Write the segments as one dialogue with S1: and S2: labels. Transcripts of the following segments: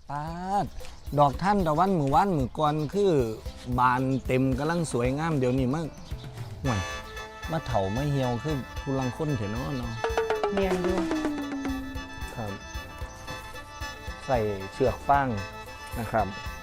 S1: ปาดดอกท่านตะวันมือวันมือก่อนคือบานเต็มกำลังสวยงามเดี๋ยวนี้มันห่วยมาเถาไม่เหี่ยวคือผู้ลังคนเถอะเนาะ
S2: เมียนอยู่
S1: ครับใส่เชือกฟางนะครับ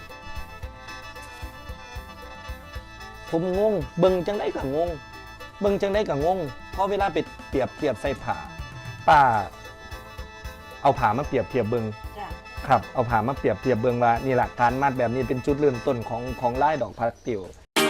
S1: ผมงงเบิ่งจังได้กับงงเบิ่งจังได้กับงงเพราะเวลาไปเปรียบเทียบใส่ผ้าป้าเอาผ้ามาเปรียบเทียบเบิ่งครับเอาผ้ามาเปรียบเทียบเบิ่งว่านี่แหละการมัดแบบนี้เป็นจุดเริ่มต้นของลายดอกพาสเทล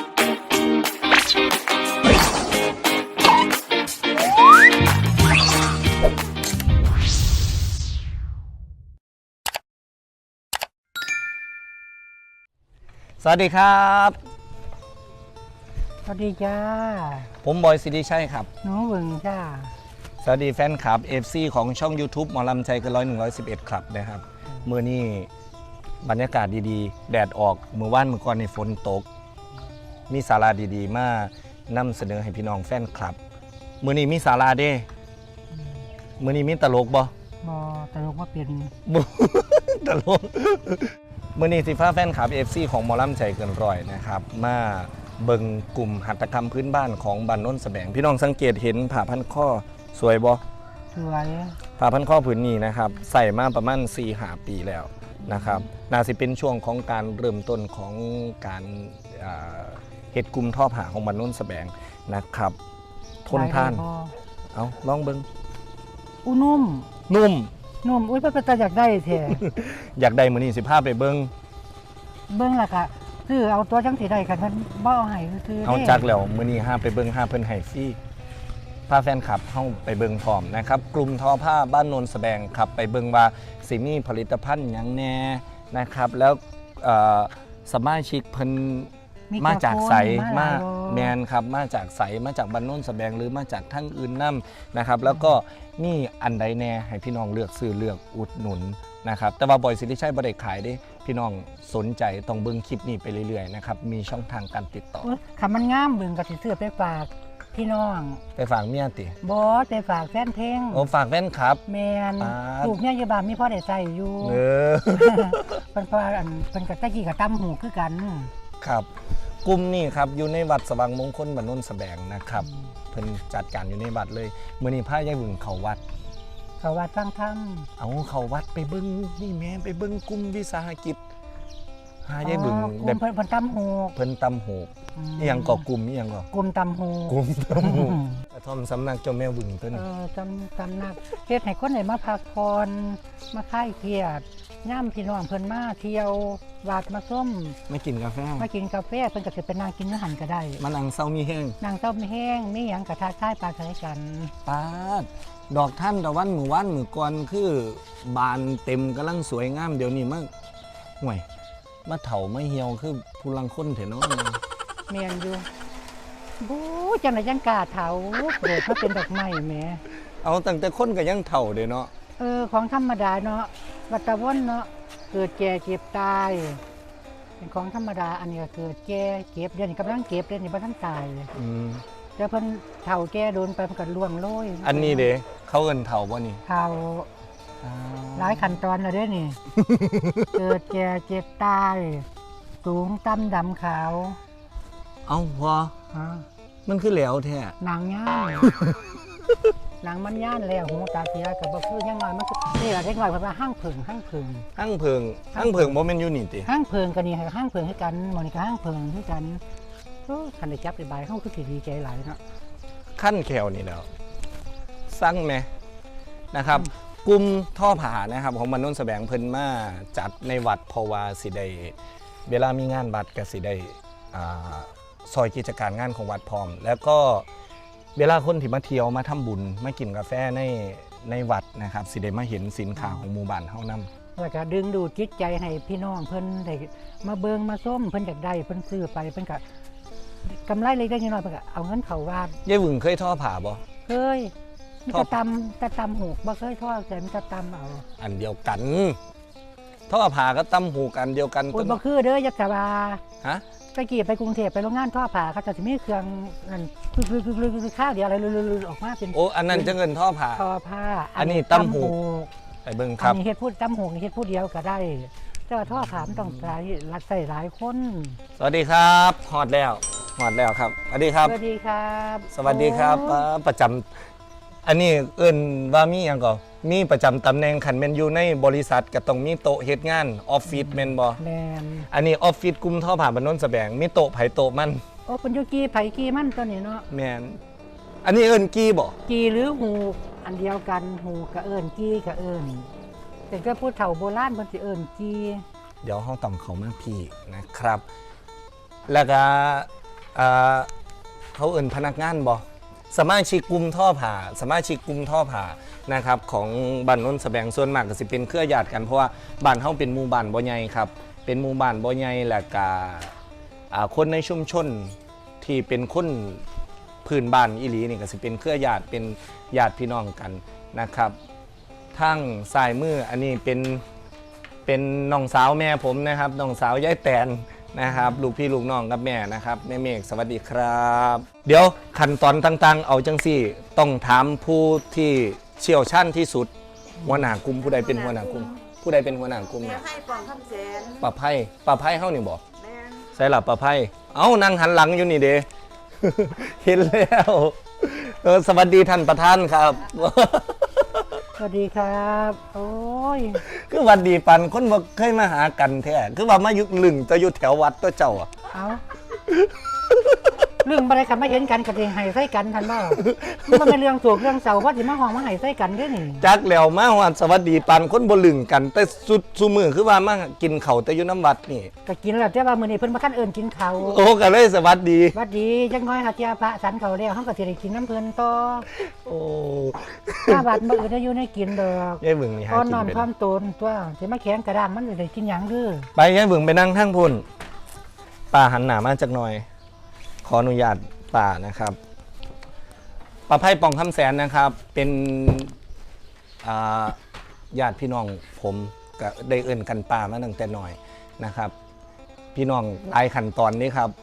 S1: สวัสดีครับ
S2: สวัสดีจ้า
S1: ผมบอยสิริชัยครับ
S2: น้องเวิงจ้า
S1: สวัสดีแฟนคลับ FC ของช่อง YouTube หมอลำใจเกิน100-111ครับนะครับมื้อนี้บรรยากาศดีๆแดดออกมื้อวานมื้อก่อนในฝนตกมีสาระดีๆมานำเสนอให้พี่น้องแฟนคลับมื้อนี้มีสาระเด้มื้อนี้มีตลกบ่
S2: ตลกว่าเป็น
S1: ตลกมื้อนี้สิฟ้าแฟนคลับ FC ของหมอลำใจเกินร้อยนะครับมาเบิ่งกลุ่มหัตถกรรมพื้นบ้านของบ้านโน้นแสบงพี่น้องสังเกตเห็นผ้าพันข้อสวยบ่
S2: สวย
S1: ผ้าพันข้อผืนนี้นะครับใส่มาประมาณ4-5 ปีแล้วนะครับน่าสิเป็นช่วงของการเริ่มต้นของการเฮ็ดกลุ่มท่อผ้าของบ้านโน้นแสบงนะครับทนทานเอาลองเบิ่ง
S2: นุ่มอุ้ยเป็นตาอยากได้แท้
S1: อยากได้มื้อนี้สิพาไปเบิ่ง
S2: ล่ะค่ะซื้อเอาตัวจังสิได้กันมันบ่เอาให้ซื้อ
S1: เอาจักแล้วมื้อนี้ห้าไปเบิ่งห้าเพิ่นให้ฟรีพาแฟนคลับเฮาไปเบิ่งพร้อมนะครับกลุ่มทอผ้าบ้านโนนแสบงครับไปเบิ่งว่าสิมีผลิตภัณฑ์หยังแน่นะครับแล้วสมาชิกเพิ่นมาจากไสมาแมนครับมาจากไสมาจากบ้านโนนแสบงหรือมาจากทั้งอื่นนำนะครับแล้วก็มีอันใดแน่ให้พี่น้องเลือกซื้อเลือกอุดหนุนนะครับแต่ว่าบอยสิริชัยบ่ได้ขายเด้พี่น้องสนใจต้องเบิ่งคลิปนี้ไปเรื่อยๆนะครับมีช่องทางการติดต่อ
S2: คันมันงามเบิ่งก็สิซื้อไปฝากพี่น้อง
S1: ไปฝากเมียติ
S2: บ่ไปฝากแฟนเพลง
S1: โอ้ฝากแฟนครับ
S2: แม่นลูกเนี่ยอยู่บ้านมีพ่อได้ใช้อยู่เพิ่นว่าอันเพิ่นก็ตะกี้ก็ตำหูคือกัน
S1: ครับกลุ่มนี้ครับอยู่ในวัดสว่างมงคลบ้านโนนแสบงนะครับเพิ่นจัดการอยู่ในวัดเลยมื้อนี้พายายบึงเข้าวัด
S2: ฟังธรรม
S1: เอาเข้าวัดไปเบิ่งนี่แม่ไปเบิ่งกลุ่มวิสาหกิจหายายบึง
S2: แบบเพิ่นตำหู
S1: อีหยังก็กลุ่มอีหยังก็
S2: กลุ่มตำหู
S1: กระท่อมสำนักเจ้าแม่บึงตัวนี้
S2: ตำนักเฮ็ดให้คนได้มาพักผ่อนมาคลายเครียดย่ำพี่น้องเพิ่นมาเที่ยววัดมาส้ม
S1: มากินกาแฟเ
S2: พิ่นก็สิไปนั่งกินอาหารก็ได้
S1: มานั่งเซามีแห้ง
S2: มีหยังกระทะใช้ปลาใช้กัน
S1: ปาดดอกท่านตะวันมือวันมือก่อนคือบานเต็มกำลังสวยงามเดี๋ยวนี้มันห่วยมาเถาไม่เหี่ยวคือผู้ลังคนเถอะเนาะ
S2: เมียนอยู่บู๊จังไหนจังกาเถาเกิดมาเป็นดอกไม้แหม
S1: เอาตั้งแต่คนก็ยังเถาเด้เนาะ
S2: ของธรรมดาเนาะวัฏวนเนาะเกิดแก่เจ็บตายเป็นของธรรมดาอันนี้ก็เกิดแก่เก็บเดี๋ยวนี้กำลังเก็บเดี๋ยวนี้บ่ทันตายแล้วเพิ่นเฒ่าแก่โดนไปมันก็ล่วงโรย
S1: อันนี้เด้เขาเอิ้นเฒ่าบ่นี่
S2: เฒ่าหลายขั้นตอนแล้วเด้นี่ เกิดแก่เจ็บตายสูงต่ำดำขาว
S1: เอาพอมันคือแหลวแท้
S2: หนังย่านหนังมันย่านแล้วหูตาเสียกับบ่คือยังน้อยมันนี่ล่ะเด็กน้อยเพิ่นว่าห้างเพิงบ่แ
S1: ม่นอยู่นี่ติ
S2: ห้างเพิงก็นี่ให้ห้างเพิงคือกันมื้อนี้ก็ห้างเพิงคือกันคันได้จับได้บายเฮาคือสิดีใจหลายเนาะ
S1: ขั้นแขวนี่แล้วสั่งแม่นะครับกลุ่มท่อผานะครับของบ้านโนนแสบงเพิ่นมาจัดในวัดเพราะว่าสิได้เวลามีงานวัดก็สิได้ซอยกิจการงานของวัดพร้อมแล้วก็เวลาคนที่มาเที่ยวมาทำบุญมากินกาแฟในวัดนะครับสิได้มาเห็นสินค้าของหมู่บ้านเฮานำ
S2: แล้วก็ดึงดูดจิตใจให้พี่น้องเพิ่นได้มาเบิ่งมาส้มเพิ่นอยากได้เพิ่นซื้อไปเพิ่นก็กำไรเล็กๆน้อยๆเพิ่นก็เอาเงินเข้าวัด
S1: ยายหวึงเคยท่อผ้าบ่
S2: เคยจะตำหูกบ่เคยท่อแต่มันจะตำเอา
S1: อันเดียวกันท่อผ้าก็ตำหูกอันเดียวกัน
S2: บ่คือเด้อยักษ์บา
S1: ฮะ
S2: ไปกี่ไปกรุงเทพไปโรงงานท่อผ้าเขาจะมีเครื่องนั่นคือข้าวเดียวอะไรออกมาเป็น
S1: โอ้อันนั้นจะเงินท่อผ้าอันนี้ตำหูไปเบิ่งครับ
S2: อันนี้เฮ็ดพูดตำหูเฮ็ดพูดเดียวก็ได้แต่ว่าท่อผามต้องใช้รักใส่หลายคน
S1: สวัสดีครับฮอดแล้วครับสวัสดีครับ
S2: สวัสดีครับ
S1: สวัสดีครับ
S2: โอ้
S1: ประจำอันนี้เอิ้นว่ามีหยังก่อมีประจำตำแหน่งคันแม่นอยู่ในบริษัทก็ต้องมีโต๊ะเฮ็ดงานออฟฟิศแม่นบ่
S2: แมน
S1: อันนี้ออฟฟิศกลุ่มท่อผ่าบ้านโนนสแบงมีโต๊ะไผโต๊ะมัน
S2: โอ้เป็นอยุกีไผกีมันตัวนี้เนาะ
S1: แม่นอันนี้เอิ้นกี้บ่
S2: กีหรือหูกอันเดียวกันหูกกะเอิญกีกะเอิญแต่ก็พูดเฒ่าโบราณเพิ่นสิเอิญกี
S1: เดี๋ยวเฮาต้องเข้ามาพี่นะครับ แล้วก็เขาเอิ้นพนักงานบ่สมาชิกกลุ่มท่อผ่านะครับของบ้านโนนสแบงส่วนมากก็สิเป็นเครือญาติกันเพราะว่าบ้านเฮาเป็นหมู่บ้านบ่ใหญ่ครับเป็นหมู่บ้านบ่ใหญ่แล้วก็คนในชุมชนที่เป็นคนพื้นบ้านอีหลีนี่ก็สิเป็นเครือญาติเป็นญาติพี่น้องกันนะครับทางซ้ายมืออันนี้เป็นน้องสาวแม่ผมนะครับน้องสาวยายแตนนะครับลูกพี่ลูกน้องกับแม่นะครับแม่เมฆสวัสดีครับ เดี๋ยวขั้นตอนต่างๆเอาจังซี่ต้องถามผู้ที่เชี่ยวชาญที่สุดหัวหน้ากลุ่มผู้ใดเป็นหัวหน้ากลุ่มผู้ใดเป็นหัวหน้ากลุ่ม
S3: แม่
S1: เนี่ย
S3: ให้ปองคำแสน
S1: ป้าไพ่เฮานี่บอก
S3: แม่น
S1: ใส่หลับป้าไพ่เอ้านั่งหันหลังอยู่นี่เด้ เห็นแล้วสวัสดีท่านประธานครับ
S2: สวัสดีครับ โอ้ย
S1: คือหวัดดีปันคนบ่เคยมาหากันแท้คือว่ามายุคลึงจะอยู่แถววัดตัวเจ้าอ่ะ
S2: เอาเรื่องอะไรกันไม่เห็นกันกับเองไห้ใส่กันทันบ่มันเป็นเรื่องถูกเรื่องเสาว่าสิมาห้องมาไห้ใส่กันเด้อนี่
S1: จักแล้วมาว่าสวัสดีปันคนบ่ลึงกัน แต่สุดซุมือคือว่ามากินข้าวแต่อยู่น้ำวัดนี่
S2: ก็กินแล้วแต่ว่ามื้อนี้เพิ่นมาคันเอิ้นกินข้าว
S1: โอ้ก็เลยสวัสดี
S2: หวัดดีจังน้อยค่ะเจ้าพระสันเขาแล้วเฮาก็สิได้กินน้ำเพิ่นต่อ
S1: โอ้
S2: ถ้าบาดบ่อื่นได้อยู่ในกินดอก
S1: ยายเบิ่งนี่หา
S2: ตอน
S1: กิ
S2: น
S1: น
S2: อน
S1: เป็น
S2: ความโตนตัวสิมาแข็งกระด้างมันสิได้กินหยังเด้อ
S1: ไปยายเบิ่งไปนั่งทางพุ่นป้าหันหน้ามาจักหน่อย ขออนุญาตป้านะครับป้าไพ่ปองคำแสนนะครับ เป็นญาติพี่น้องผมก็ได้เอิ้นกันป้ามาตั้งแต่น้อยนะครับ พี่น้องหลายขั้นตอนนี้ครับ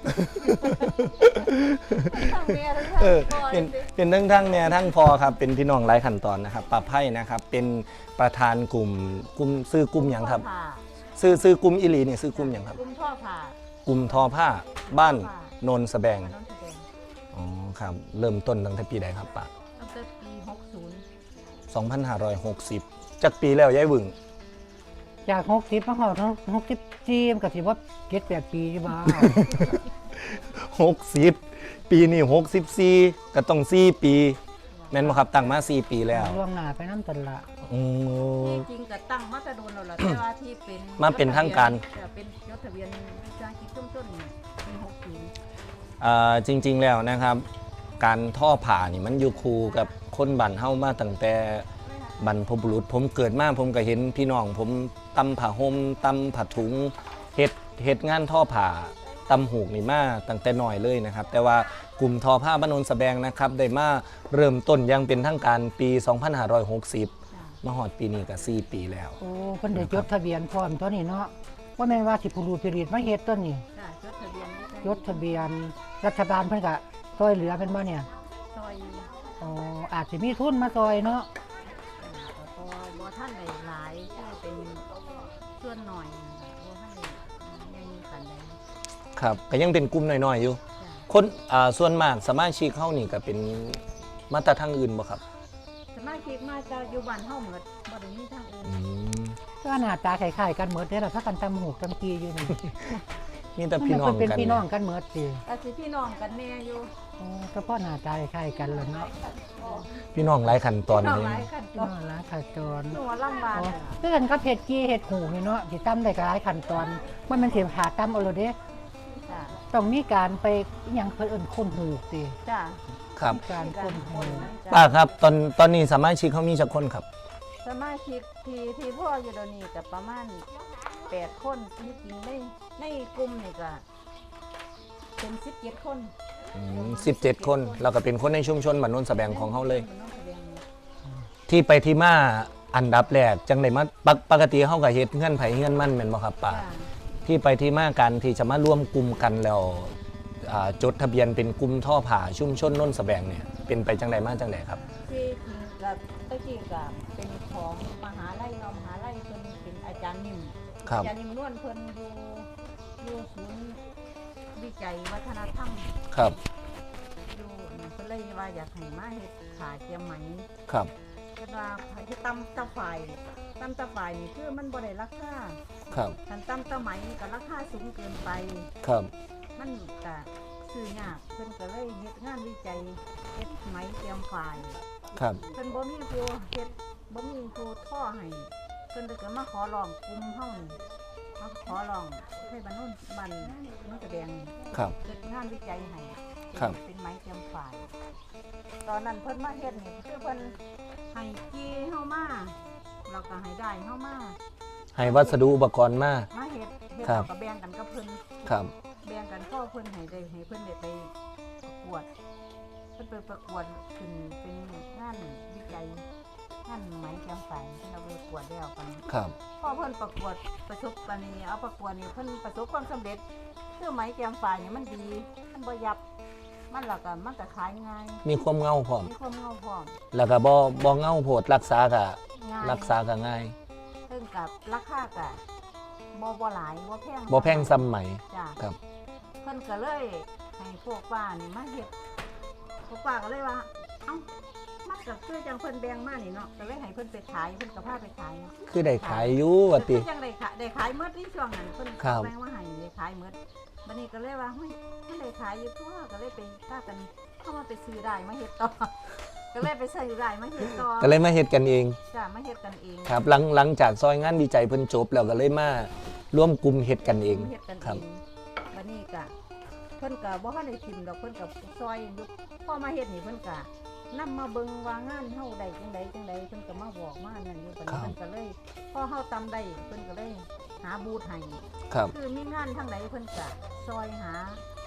S3: ทั้งแม่ทั้ง
S1: เออ
S3: พ่อ
S1: เป็นทั้งแม่ทั้งพอครับเป็นพี่น้องหลายขั้นตอนนะครับป้าไพ่นะครับ เป็นประธานกลุ่มซื้อกลุ่มหยังครับ
S3: ผ่า
S1: ซื้อกลุ่มอิลีนี่ซื้อกลุ่มหยังครับ
S3: กุมท่อผ่าก
S1: ลุ่มทอผ้าบ้านโนนสแบง
S3: มาน้องแสดง
S1: อ๋อครับเริ่มต้นตั้งแต่ปีใดครับป้า
S3: ตั้งแต่ปี
S1: 2560จักปีแล้วยายบึง
S2: จาก60มาฮอด64มันก็สิว่า7-8 ปีอยู่บ่
S1: 60 ปีนี้64ก็ต้อง4 ปีแม่นบ่ครับตั้งมา4 ปีแล้ว
S2: ล่วงหน้าไปนำตันละ
S1: อืม
S3: ที่จริงก็ตั้งมาแตะโดนแล้วล่ะแต่ว่าที่เป็น
S1: มาเป็นทางการ
S3: จะเป็นยศทะเบียนวิชาชีพต้นๆนี่ปี60
S1: จริง ๆแล้วนะครับ การท่อผ่านี่มันอยู่คู่กับคนบ้านเฮามาตั้งแต่บรรพบุรุษผมเกิดมาผมก็เห็นพี่น้องผมตำผ้าห่มตำผ้าถุงเฮ็ดงานท่อผ่าตำหูกนี่มาตั้งแต่น้อยเลยนะครับ แต่ว่ากลุ่มทอผ้าบ้านโนนสแบงนะครับได้มาเริ่มต้นอยังเป็นทางการปี 2560 มาฮอดปีนี้ก็4 ปีแล้ว
S2: โอ้เพิ่นได้จดทะเบียนพร้อมตัวนี้เนาะว่าแม่นว่าสิผู้รู้ผู้รีดมาเฮ็ดตัวนี้
S3: จ้ะจดทะเบียนวิชา
S2: จดทะเบียนรัฐบาลเพิ่นก็ช่วยเหลือเพิ่นบ่เนี่ย
S3: ซอย
S2: อ๋ออาจสิมีทุนมาซอยเนาะ
S3: แต่พอบ่ท่านได้หลายแค่เป็นส่วนหน่อยบ่ท่านได้ยังมีขันใด
S1: ครับก็ยังเป็นกลุ่มน้อยๆอยู่
S3: จ้ะ
S1: คนส่วนมากสมาชิกเข้านี่ก็เป็นมาตรทางอื่นบ่ครับ
S3: สมาชิกมาจากอยู่บ้านเฮาหมดบ่ได้มีทางอื่น
S1: อืม
S2: ก็หน้าตาคล้ายๆกันหมดเด้อล่ะถ้ากันตำหูกตำกีอยู่นี่
S1: มีแต่พี่น้อง
S2: เพิ่นเป็น
S1: กัน
S2: พี่น้องกันหมดสิ
S3: ก็สิพี่น้องกันแน่อยู่
S2: โอ้ก็เพราะหน้าตาคล้ายกันแหล้วเนาะ
S1: พี่น้องหลายขั้นตอน
S3: น้อง
S1: เลย
S3: หลายขั้นต
S2: พี่
S3: อ
S2: น้
S3: น
S2: องหลายขั้นตอน
S3: หนูว่าลำบาก
S2: อ๋อ
S3: อะ
S2: คือกันก็เผ็ดกี้เห็ดหูนี่เนาะสิตำได้ก็หลายขั้นตอนมันเป็นสิหาตำเอาเลยเด้
S3: จ้ะ
S2: ต้องมีการไปอิหยังเพิ่นเอิ้นคนหูกสิ
S3: จ้ะ
S1: ครับ
S2: การคนหูก
S1: ป้าครับตอนนี้สมาชิกเขามีจักคนครับ
S3: สมาชิกที่พ่ออยู่เดี๋ยวนี้ก็ประมาณ8 คนที่จริงในกลุ่มนี่ก็เป็น17 คน
S1: 17 คนแล้วก็เป็นคนในชุมชนบ้านโนนสแบงของเขาเลย
S3: มันต้องแสดงนี่
S1: ที่ไปที่มาอันดับแรกจังไดมาปกติเขาก็เฮ็ดเงื่อนไผเงื่อนมั่นแม่นบ่ครับป้า
S3: จ้ะ
S1: ที่ไปที่มากันที่จะมาร่วมกลุ่มกันแล้วจดทะเบียนเป็นกลุ่มท่อผ่าชุมชนโนนสแบงเนี่ยเป็นไปจังไดมาจังไดครับ
S3: ที่จริงก็ตะกี้ก็เป็นของมหาลัยเนาะมหาลัยเพิ่นเป็นอาจารย์นิ่ม
S1: ครับ
S3: ยานิ่มนวลเพิ่นอยู่ศูนย์วิจัยวัฒนธรรม
S1: ครับ
S3: อยู่เพิ่นเลยว่าอยากให้มาเฮ็ดขาเจียมไหม
S1: ครับ
S3: เพิ่นว่าที่ตำตะฝ่ายนี่คือมันบ่ได้ราคา
S1: ครับ
S3: คันตำตะไหมก็ราคาสูงเกินไป
S1: ครับ
S3: มันก็ซื้อยากเพิ่นก็เลยเฮ็ดงานวิจัยเฮ็ดไหมเตรียมฝ่าย
S1: ครับ
S3: เพิ่นบ่มีผู้เฮ็ดบ่มีผู้ท่อให้เพิ่นก็มาขอร้องกลุ่มเฮานี่มาขอร้องให้บ้านโน้นบ้านมันแสดง
S1: ครับ
S3: เฮ็ดงานวิจัยให้
S1: ครับ
S3: เป็นไหมเตรียมฝ่าย ตอนนั้นเพิ่นมาเฮ็ดนี่คือเพิ่นให้จี้เฮามาแล้วก็ให้ได้เฮามา
S1: ให้วัสดุอุปกรณ์มา
S3: มาเฮ็ด
S1: ครับ
S3: แล้วก็แบ่งกันกับเพิ่น
S1: ครับ
S3: แบ่งกันพ่อเพิ่นให้ได้ให้เพิ่นได้ไปประกวดเพิ่นไปประกวดขึ้นเป็นงานวิจัยงานไหมแคมฝ่ายที่เราไปประกวดแล้วกัน
S1: ครับ
S3: พ่อเพิ่นประกวดประสบการณ์นี้เอาประกวดนี่เพิ่นประสบความสำเร็จคือไหมแคมฝ่ายนี่มันดีมันบ่ยับมันแล้วก็มันก็ขายง่าย
S1: มีความเงาพร้อม
S3: มีความเงาพร้อม
S1: แล้วก็บ่เงาโพดรักษาก็
S3: ง่าย
S1: รักษาก็ง่าย
S3: ซึ่งกับราคาก็บ่หลายบ่แพง
S1: บ่แพงซ้ำไหม
S3: จ้ะ
S1: ครับ
S3: เพิ่นก็เลยให้พวกป้านี่มาเฮ็ดพวกป้าก็เลยว่าเอ้ามันก็คือจังเพิ่นแบ่งมานี่เนาะก็เลยให้เพิ่นไปขายเพิ่นก็พาไปขาย
S1: คือได้ขายอยู่ว่าติ
S3: คือจังได้ขายหมดที่ช่วงนั้นเพิ่น
S1: ครับ
S3: แบ่งมาให้ได้ขายหมดบัดนี้ก็เลยว่าเฮ้ยมันได้ขายอยู่ทั่วก็เลยไปพากันเข้ามาไปซื้อได้มาเฮ็ดต่อ ก็เลยไปซื้อได้มาเฮ็ดต่อ
S1: ก็เลยมาเฮ็ดกันเอง
S3: จ้ะมาเฮ็ดกันเอง
S1: ครับหลังจากซอยงานวิจัยเพิ่นจบแล้วก็เลยมาร่วมกลุ่มเฮ็ดกันเอง
S3: เฮ็ดกัน
S1: ครั
S3: เอบ งบัดนี้ก็เพิ่นก็บ่ทันได้ทิมดอกเพิ่นก็ซอยอยู่พอมาเฮ็ดนี่เพิ่นก็นำมาเบิ่งว่างานเฮาได้จังใดเพิ่นก็มาบอกมานั่นอยู่บัดนี้เพิ่นก็เลยพอเฮาตำได้เพิ่นก็เลยหาบูธให้
S1: ครับ
S3: คือมีงานทางใดเพิ่นก็ซอยหาง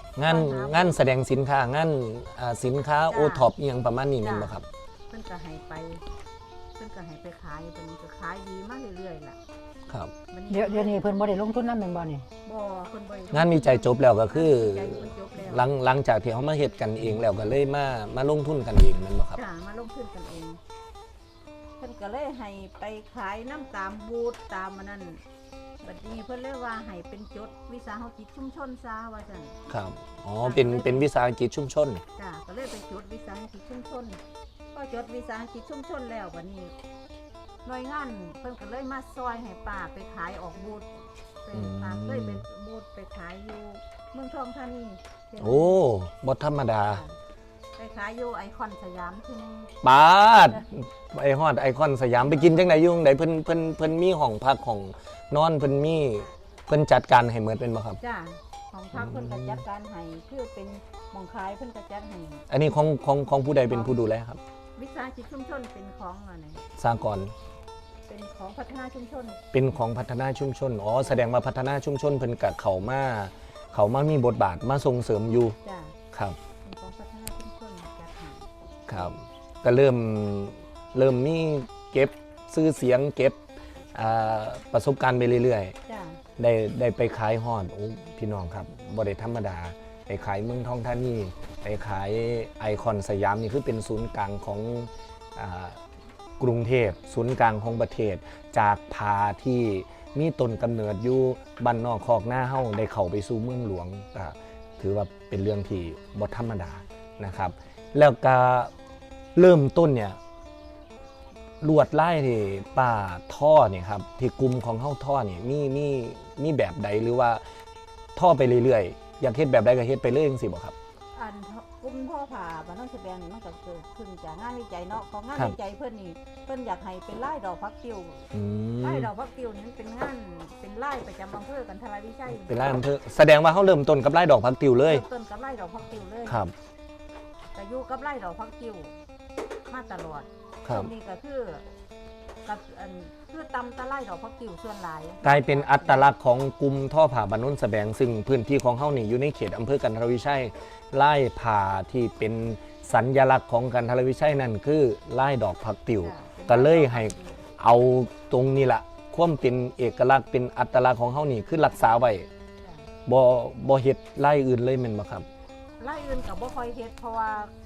S1: านแสดงสินค้างานสินค้า
S3: จ้า
S1: โอท็อปอีหยังประมาณนี้แม่นบ่ครับ
S3: เพิ่นก็ให้ไปเพิ่นก็ให้ไปขายเพิ่นก็ขายดีมาเรื่อยๆล่ะ
S1: ครับ
S3: บัด
S2: เดี๋ยวนี้เพิ่นบ่ได้ลงทุนนำแม่นบ่นี่
S3: บ่เพิ่นบ่ได้
S1: งานวิจัยจบแล้วก็คือ
S3: ใจเพิ่นจบแล้ว
S1: หลังจากที่เขามาเฮ็ดกันเองแล้วก็เลยมาลงทุนกันเองแม่นบ่ครับ
S3: จ้ามาลงทุนกันเองเพิ่นก็เลยให้ไปขายน้ำตามบูธตามมันนั่นบัดนี้เพิ่นเลยว่าให้เป็นจดวิสาหกิจชุมชนซะว่าซั่น
S1: ครับอ๋อเป็นวิสาหกิจชุมชน
S3: จ้าก็เลยไปจดวิสาหกิจชุมชนก็จดวิสาหกิจชุมชนแล้วบัดนี้หน่วยงานเพิ่นก็เลยมาซอยให้ป้าไปขายออกบูธเป็นป้าเคยเป็นบูธไปขายอยู่เมืองทองธานี
S1: โอ้บ่ธรรมดา
S3: ไปขายอยู่ไอคอนสยามที่นึง
S1: ปาดไอฮอดไอคอนสยามไปกินจังไดอยู่จั่งใดเพิ่นมีห้องพักของนอนเพิ่นจัดการให้หมดเป็นบ่ครับ
S3: จ้าของพักเพิ่นก็จัดการให้คือเป็นหมองขายเพิ่นก็จัดให้
S1: อันนี้ของผู้ใดเป็นผู้ดูแลครับ
S3: วิสาหกิจชุมชนเป็นของอะไร
S1: สากล
S3: เป็นของพัฒนาชุมชน
S1: เป็นของพัฒนาชุมชนอ๋อแสดงว่าพัฒนาชุมชนเพิ่นก็เข้ามามีบทบาทมาส่งเสริมอยู่
S3: จ้า
S1: ครับ
S3: เป็นของพัฒนาชุมชนจัดให้
S1: ครับก็เริ่มมีเก็บชื่อเสียงเก็บประสบการณ์ไปเรื่อยๆ
S3: จ้า
S1: ได้ไปขายฮอดโอ้พี่น้องครับบ่ได้ธรรมดาไปขายเมืองทองธานีไปขายไอคอนสยามนี่คือเป็นศูนย์กลางของกรุงเทพศูนย์กลางของประเทศ จากพาที่มีต้นกำเนิดอยู่บ้านนอกคอกหน้าเฮาได้เข้าไปสู่เมืองหลวงก็ถือว่าเป็นเรื่องที่บ่ธรรมดานะครับ แล้วก็เริ่มต้นเนี่ยลวดลายที่ป้าท่อเนี่ยครับที่กลุ่มของเฮาท่อเนี่ยมีแบบใดหรือว่าท่อไปเรื่อยๆอยากเฮ็ดแบบใดก็เฮ็ดไปเรื่อยจังซี่บ่ครับ
S3: อันกลุ่มพ่อผ่าบ้านน้องแสดงนี่มันก็เกิดขึ้นจากงานวิจัยเนาะของงาน
S1: ครับ
S3: วิจัยเพิ่นนี่เพิ่นอยากให้เป็นลายดอกพักติว
S1: อืม
S3: ลายดอกพักติวนี่มันเป็นงานเป็นลายประจำอำเภอกันทราวิชัย
S1: เป็นลายอำเภอแสดงว่าเฮาเริ่มต้นกับลายดอกผักติวเลย
S3: เริ่มต้นกับลายดอกพักติวเลย
S1: ครับ
S3: แต่อยู่กับลายดอกพักติวมาตลอด
S1: ครับ
S3: ตรงนี้ก็คือกับคือตำตะไลดอกพักติวส่วนหลาย
S1: กลายเป็นอัตลักษณ์ของกลุ่มท่อผ่าบ้านโนนสะแบงซึ่งพื้นที่ของเฮานี่อยู่ในเขตอำเภอกันทรวิชัยลายผ่าที่เป็นสัญลักษณ์ของกันทรวิชัยนั่นคือลายดอกผักติว ก็เลยให้เอาตรงนี้ละความเป็นเอกลักษณ์เป็นอัตลักษณ์ของเฮานี่คือรักษาไว้บ่เฮ็ดลายอื่นเลยแม่นบ่ครับ
S3: ลายอื่นกับบ่ค่อยเฮ็ดเพราะว่า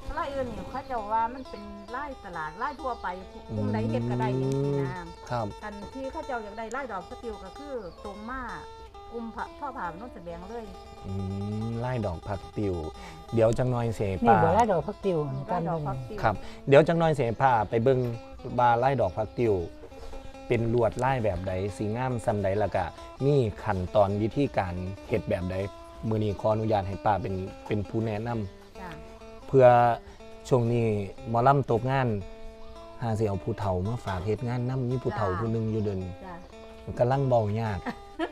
S3: ไล่อื่นนี่เขาเจะว่ามันเป็นไล่ตลาดไล่ทั่วไปกลุ่มใดเฮ็ดก็ได้อย่างนี้นะครับ อันที่เขาเจ้าอยากได้ไล่ดอกสติวก็คือตรงมากกลุ่มพ่อผ่าโน้นแสดงเลย
S1: ไล่ดอกผักติวเดี๋ยวจังน้อยเส
S2: นี่
S1: ป่า
S2: บ่ละดอกพักติว
S3: ไล่ดอกพักติว
S1: ครับเดี๋ยวจังน้อยเสป่าไปเบิ่งบาไล่ดอกผักติวเป็นลวดไล่แบบใดสีงามซำใดแล้วก็มีขั้นตอนวิธีการเฮ็ดแบบใดมื้อนี้ขออนุญาตให้ป้าเป็นผู้แนะนำ
S3: จ้ะ
S1: เพื่อช่วงนี้หมอลำตกงานหาสิเอาผู้เฒ่ามาฝากเฮ็ดงานนำมีผู้เฒ่าผู้หนึงอยู่เดิน
S3: จ้ะ
S1: กำลังเบายาก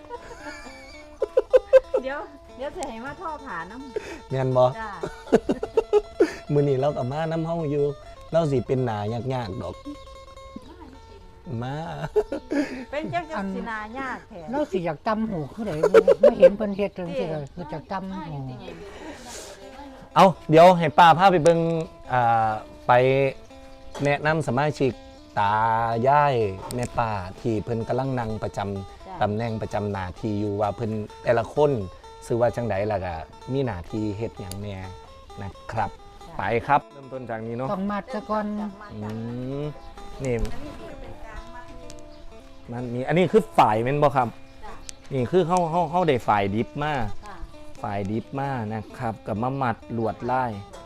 S3: เดี๋ยวจะให้มาท่อผ่าน้ำ
S1: แม่นบ่
S3: จ้า
S1: มื้อนี้เราก็มาน้ำเฮาอยู่เราสิเป็นหน้ายากๆดอกมา
S3: เป็นจังจังสินายากแท้
S2: เราสิอยากตำหูคือไดไม่เห็นเพิ่นเฮ็ดจังซี่เลยคือจากตำหู
S1: เอาเดี๋ยวให้ป้าพาไปเบิ่งไปแนะนำสมาชิกตายายแม่ป้าที่เพิ่นกำลังนั่งประจำตำแหน่งประจำหน้าที่อยู่ว่าเพิ่นแต่ละคนชื่อว่าจังไดล่ะก็มีหน้าที่เฮ็ดหยังแหน่นะครับ ไปครับเริ่มต้นจากนี้เนาะ
S2: ต้องมัดซะก่อน
S1: อืมนี่มันมีอันนี้คือฝ่ายแม่นบ่ครับนี่คือเฮาได้ฝ่ายดิบมาฝ่ายดิบมานะครับกับมามัดลวดลาย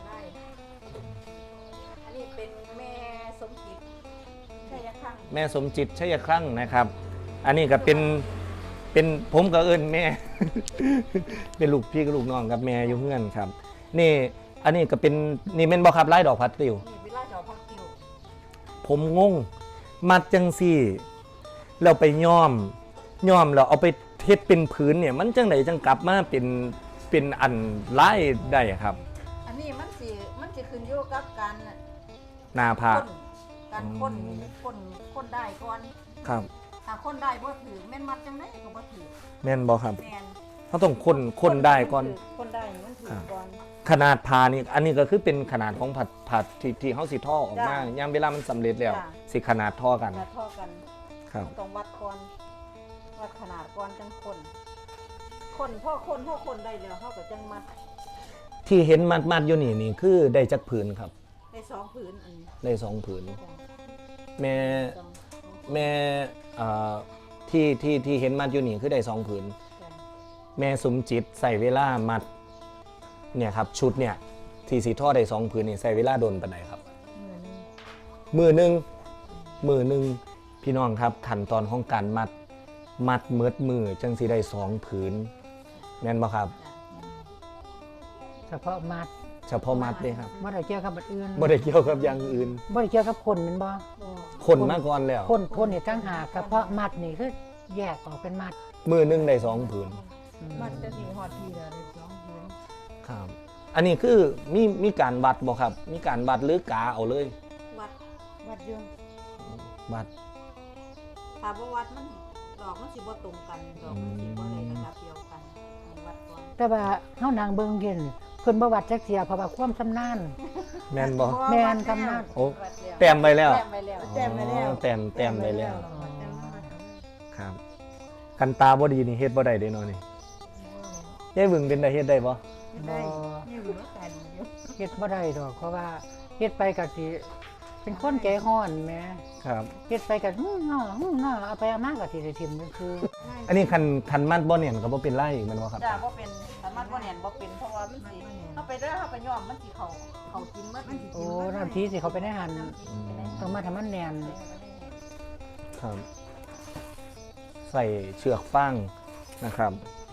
S3: อันนี้เป็นแม่สมจิตชัยครั้ง
S1: แม่สมจิตชัยครั่งนะครับ อันนี้ก็เป็นผมกับเอิญแม่ เป็นลูกพี่กับลูกน้องกับแม่อยู่เพื่อนครับนี่อันนี้ก็เป็นนี่เป็นบ่ครับลายดอกพัดติว
S3: นี่เป็นไล่ดอกพักติว
S1: ผมงงมัดจังซี่แล้วไปย้อมแล้วเอาไปเฮ็ดเป็นผืนเนี่ยมันจังไดจังกลับมาเป็นอันลายได้ครับ
S3: อันนี้มันสิขึ้นอยู่กับการ
S1: หน้าผาก
S3: การค้นได้ก่อน
S1: ครับ
S3: ถ้าค้นได้บ่ถือแม่นมัดจังไดก็บ่ถือ
S1: แม่นบ่ครับ
S3: แม่น
S1: เขาต้องคนได้ก่อน
S3: ค้นได้มันถือก่อน
S1: ขนาดผ่านี่อันนี้ก็คือเป็นขนาดของผัดที่เฮาสิท่อออกมา
S3: จ้ะ
S1: ยามเวลามันสำเร็จแล้ว
S3: จ้ะ
S1: สิขนาดท่อกัน
S3: แล้วเท่ากัน
S1: ครับ
S3: ต้องวัดก่อนวัดขนาดก่อนจังคนพ่อคนได้แล้วเขาก็จังมัด
S1: ที่เห็นมัดอยู่นี่คือได้จักผืนครับ
S3: ได้สองผืนอันนี้
S1: ได้สองผืน
S3: จ้ะ
S1: แม่
S3: สอง
S1: แม่ที่เห็นมัดอยู่นี่คือได้สองผืน
S3: จ้ะ
S1: แม่สมจิตใส่เวลามัดเนี่ยครับชุดเนี่ยที่สีท่อได้สองผืนนี่ใส่เวลาโดนปานใดครับ
S3: มือหนึง
S1: มือหนึ่งพี่น้องครับขั้นตอนของการมัดเมิดมือจังสีได้สองผืนแม่นบ่ครับ
S2: เฉพาะมัด
S1: เฉพาะมัดเลยครับ
S2: บ่ได้เกี่ยวกับอันอื่น
S1: บ่ได้เกี่ยวกับอย่างอื่น
S2: บ่ได้เกี่ยวกับคนแม่นบ่
S1: คนมาก่อนแล้ว
S2: คนนี่ตั้งหากเฉพาะมัดนี่คือแยกออกเป็นมัด
S1: มือหนึ่งได้สองผืน
S3: มันจะสีหอดทีละได้สองผืน
S1: ครับอันนี้คือมีการวัดบ่ครับ มีการวัดหรือกาเอาเลย
S3: วัดอยู่
S1: วัด
S3: ถ้าบ่วัดมันดอกมันสิบ่ตรงกันดอกมันสิบ่ได้ระดับเดียวกันต้องวัดก่อน
S2: แต่ว่าเฮานางเบิ่งเห็นเพิ่นบ่วัดจักเที่ยเพราะว่าความชำนาญ
S1: แม่นบ่
S2: แม่นกำนัน
S1: โอ้แต้มไปแล้ว
S3: แต้มไปแล้วแต้มไปแล้ว
S1: อ๋อแต้มไปแล้ว
S3: วัดจังหวัด
S1: ครับกันตาบ่ดีนี่เฮ็ดบ่ได้เด้เนาะนี่ยายบึงเป็นได้เฮ็ดได้บ่
S3: ได้นี่อยู่ด้วยกันอยู่
S2: เฮ็ดบ่ได้ดอกเพราะว่าเฮ็ดไปก็สิเป็นคนใจร้อนแหม
S1: ครับ
S2: เฮ็ดไปก็เอาไปเอามาก็สิได้ทิ่มมันคือ
S1: อันนี้คันมัดบ่เนี่ยก็บ่เป็นไรอีกแมันบ่ครับ
S3: จ้าบ่เป็นสามารถบ่แน่นบ่เป็นเพราะว่ามันสิเฮาไปเด้อเฮาไปย้อมมันสิเขากินมันสิ
S2: โอ้น้ำทีสิเขาไปในหันต้องมาทำมันแน่น
S1: ครับ ใส่เชือกฟางนะครับ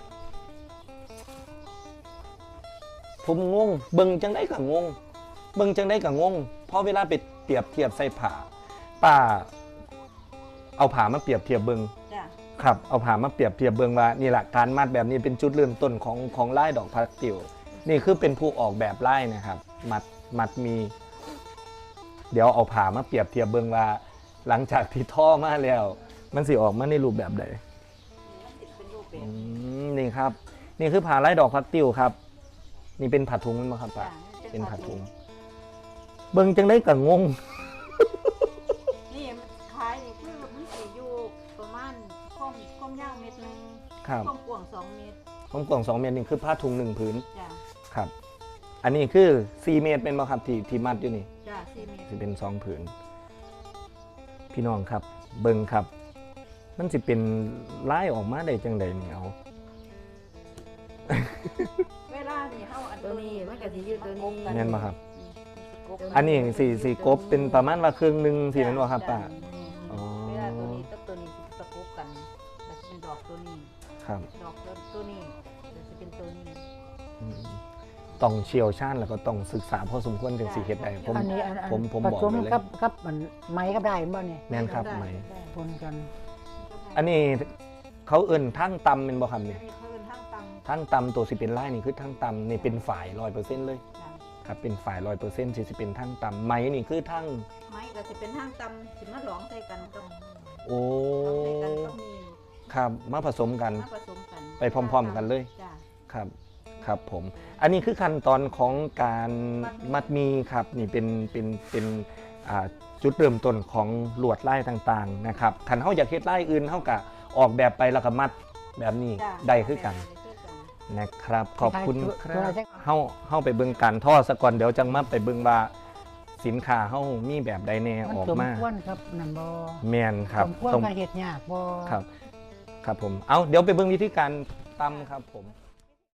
S1: ผมงงเบิ่งจังได๋ก็งงเบิ่งจังได๋ก็งงเพราะเวลาไปเปรียบเทียบใส่ผ้าป้าเอาผ้ามาเปรียบเทียบเบิ่ง
S3: จ้า
S1: ครับเอาผ้ามาเปรียบเทียบเบิ่งว่านี่แหละการมัดแบบนี้เป็นจุดเริ่มต้นของลายดอกพัดติวนี่คือเป็นผู้ออกแบบลายนะครับ มัดมี เดี๋ยวเอาผ้ามาเปรียบเทียบเบิ่งว่า หลังจากที่ท่อมาแล้ว มันสิออกมาในรูปแบบใด
S3: มันสิเป็นรูปเป็น
S1: นี่ครับ นี่คือผ้าลายดอกพัดติวครับ นี่เป็นผ้าถุงมั้ยครับป้า
S3: จ้า
S1: เป็นผ้าถุงเบิ่งจังได้ก็งง
S3: นี่มันขายนี่คือมันสิอยู่ประมาณความยาวเมตรนึง
S1: ครับ
S3: ความกว้าง2เมตร
S1: ผมกล่อง2 เมตรนี่คือผ้าถุง1ผืน
S3: จ้า
S1: ครับอันนี้คือ4เมตรเป็นบ่ครับที่มัดอยู่นี่
S3: จ้า4 เมตร
S1: สิเป็น2ผืนพี่น้องครับเบิ่งครับ มันสิเป็นลายออกมาได้จังไดนี่เอา
S3: เวลานี่เฮาอัน
S4: ตัวนี้มันก็สิอยู่ตัวนี้
S1: แม่นบ่ครับ
S3: กบ
S1: อันนี้สี่กบเป็นประมาณว่าครึ่งหนึงสิแม่นบ่ครับป้า อ๋อ
S3: เวลาตัวนี้กับตัวนี้สิประกบกันแล้วสิเป็นดอกตัวนี้
S1: ครับ
S3: ดอกตัวนี้แล้วสิเป็นตัวนี้
S1: อืมต้องเชี่ยวชาญแล้วก็ต้องศึกษาพอสมควรถึงสิเฮ็ดได้ผม
S2: อันนี้
S1: ผม
S2: ผ
S1: บอก
S2: สม
S1: ไว้เลย
S2: กับมันไม้กับได้บ่เนี่ย
S1: แม่นครับ
S3: ได้
S1: ไหม
S3: ได้
S2: ปนกัน
S1: อันนี้เขาเอิ้นทั้งตำเป็นบ่ครับนี่
S3: อันนี้เขาเป็นทางตำ
S1: ทั้งตำตัวสิเป็นลายนี่คือทั้งตำนี่เป็นฝ่าย 100%เลย
S3: จ้ะ
S1: ครับเป็นฝ่าย 100%สิเป็นทั้งตำไหมนี่คือทั้ง
S3: ไม้ก็สิเป็นทางตำสิมาหลองใส่กันกับ
S1: โอ้
S3: หลองใส่กันก็มี
S1: ครับมาผสมกัน
S3: มาผสมกัน
S1: ไปพร้อมๆกันเลย
S3: จ้ะ
S1: ครับครับผม อันนี้คือขั้นตอนของการมัดหมีครับนี่เป็นจุดเริ่มต้นของลวดลายต่างๆนะครับคันเฮาอยากเฮ็ดลายอื่นเฮาก็ออกแบบไปแล้วก็มัดแบบนี้
S3: จ้ะ
S1: ได้คือกัน
S3: ได้คือกัน
S1: นะครับ ขอบคุณค
S2: ตัว
S1: รั
S2: ละ
S1: บ
S2: จัก
S1: เฮาไปเบิ่งการทอดซะก่อนเดี๋ยวจังมาไปเบิ่งว่าสินค้าเฮามีแบบใดแน่
S2: มัน
S1: ออก
S2: สม
S1: มา
S2: ควรครับนั่นบ่
S1: แม่นครับ
S2: สมควร
S1: ต้อง
S2: กับเฮ็ดยากบ่
S1: ครับ ครับผมเอาเดี๋ยวไปเบิ่งวิธีการตำครับผม